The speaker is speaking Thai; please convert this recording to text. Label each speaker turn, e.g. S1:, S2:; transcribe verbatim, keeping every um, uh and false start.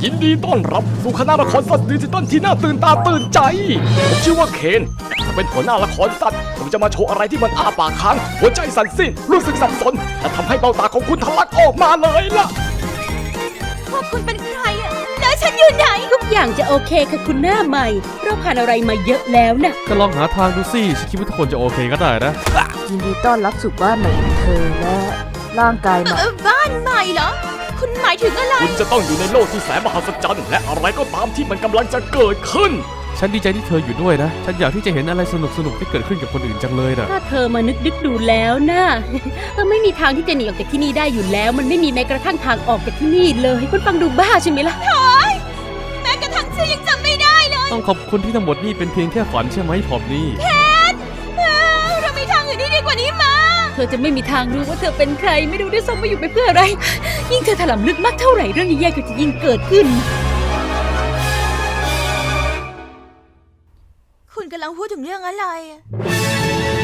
S1: ยินดีต้อนรับสู่คณะละครสัตว์ดิจิตอลที่น่าตื่นตาตื่นใจผมชื่อว่าเคนถ้าเป็นหัวหน้าละครสัตว์ผมจะมาโชว์อะไรที่มันอ้าปากค้างหัวใจสั่นสิ้นรู้สึกสับสนและทำให้เบ้าตาของคุณทะลักออกมาเลยล่ะ
S2: พวกคุณเป็นใครอะแล้วฉันอยู่ไหน
S3: ทุกอย่างจะโอเคค่ะคุณหน้าใหม่เราผ่านอะไรมาเยอะแล้วนะ
S4: ก็ลองหาทางดูสิฉันคิดว่าทุกคนจะโอเคก็ได้นะ
S5: ยินดีต้อนรับสู่บ้านใหม่ของเธอและร่างกายใหม่
S2: เออบ้านใหม่เหรอคุณหมายถึงอะไร
S1: คุณจะต้องอยู่ในโลกที่แสนมหัศจรรย์และอะไรก็ตามที่มันกำลังจะเกิดขึ้น
S4: ฉันดีใจที่เธออยู่ด้วยนะฉันอยากที่จะเห็นอะไรสนุกสนุกที่เกิดขึ้นกับคนอื่นจังเลยนะ
S3: ถ้าเธอมานึกดึกดูแล้วนะเธอไม่มีทางที่จะหนีออกจากที่นี่ได้อยู่แล้วมันไม่มีแม้กระทั่งทางออกจากที่นี่เลยคุณฟังดูบ้าใช่ไหมล่ะ
S2: โถ่แม้กระทั่งชื่อยังจำไม่ได้เลย
S4: ต้องขอบคุณที่ทั้งหมดนี่เป็นเพียงแค่ฝันใช่ไหมพอบนี่
S2: เพชรเรามีทางอื่นที่ดีกว่านี้มา
S3: เธอจะไม่มีทางรู้ว่าเธอเป็นใครไม่รู้ด้วยซ้ำว่าอยู่ไปเพื่ออะไรยิ่งเธอถลำลึกมากเท่าไหร่เรื่องแย่ๆก็จะยิ่งเกิดขึ้น
S2: คุณกำลังพูดถึงเรื่องอะไร